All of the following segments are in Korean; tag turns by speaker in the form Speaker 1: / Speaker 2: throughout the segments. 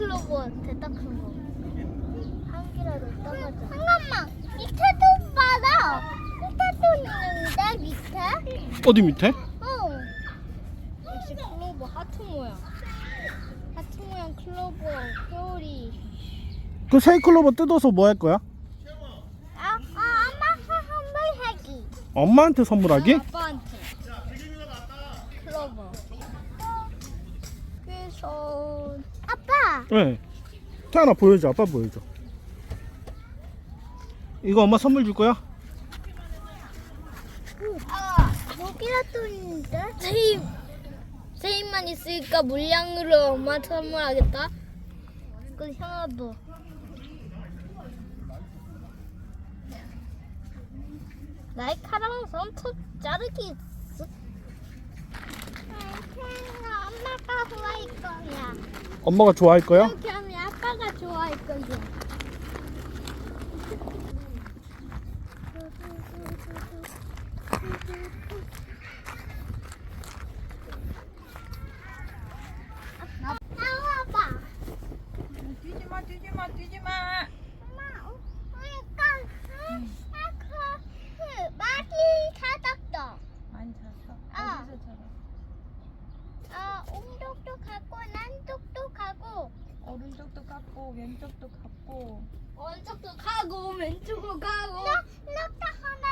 Speaker 1: 클로버 됐다 큰 거. 한 개라도 떠가자. 잠깐만. 밑에도 봐라. 밑에도 있는데 밑에?
Speaker 2: 어디 밑에?
Speaker 1: 역시 클로버 하트 모양. 하트 모양 클로버 회오리.
Speaker 2: 그 새 클로버 뜯어서 뭐 할 거야?
Speaker 1: 엄마 선물하기.
Speaker 2: 엄마한테 선물하기?
Speaker 1: 아빠한테. 클로버. 그래서 아빠.
Speaker 2: 네. 태연아 보여줘. 아빠 보여줘. 이거 엄마 선물 줄 거야?
Speaker 1: 여기가 또 있는데? 세입만 있으니까 물량으로 엄마 선물하겠다. 그 형아도. 날카로운 손톱 자르기 있어. 엄마가 좋아할 거야.
Speaker 2: 엄마가 좋아할 거야?
Speaker 1: 이렇게 하면 아빠가 좋아할 거야. 나와봐.
Speaker 3: 뛰지마 뛰지마 뛰지마.
Speaker 1: 엄마, 많이 찾았어.
Speaker 3: 많이 잤어? 어디서 자라?
Speaker 1: 오른쪽도 가고 남쪽도 가고
Speaker 3: 오른쪽도 갔고 왼쪽도 갔고.
Speaker 1: 오른쪽도 가고 왼쪽도 가고 나도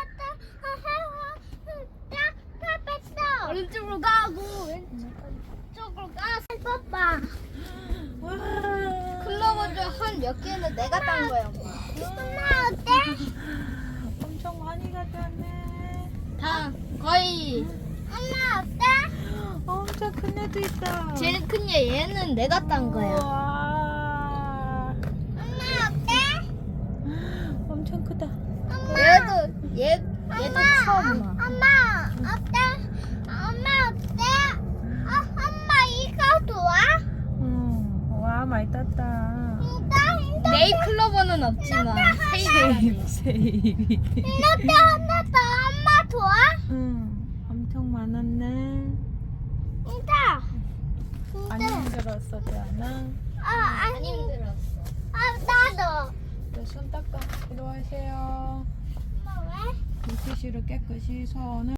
Speaker 1: 하나 오른쪽으로 가고 왼쪽으로 가서 봐봐.
Speaker 3: 와.
Speaker 1: 클로버즈 한 몇 개는 내가 딴 거야. 엄마 어때?
Speaker 3: 엄청 많이 가져왔네.
Speaker 1: 다 거의. 엄마 어때?
Speaker 3: 엄청 큰 애도 있다.
Speaker 1: 제일 큰 얘는 내가 딴 거야.
Speaker 3: 와.
Speaker 1: 엄마 어때?
Speaker 3: 엄청 크다.
Speaker 1: 얘도 처음 와. 엄마 어때? 엄마 어때? 엄마 이거 좋아?
Speaker 3: 와 많이 땄다.
Speaker 1: 네일 클로버는 없지만 세일.
Speaker 3: 세입이.
Speaker 1: 이것도 하나 더 엄마 좋아?
Speaker 3: 엄청 많았네.
Speaker 1: 진짜.
Speaker 3: 안 힘들었어, 대안아?
Speaker 1: 안 힘들었어. 나도.
Speaker 3: 손 닦아. 이리 와세요.
Speaker 1: 엄마 왜?
Speaker 3: 물티슈로 깨끗이 손을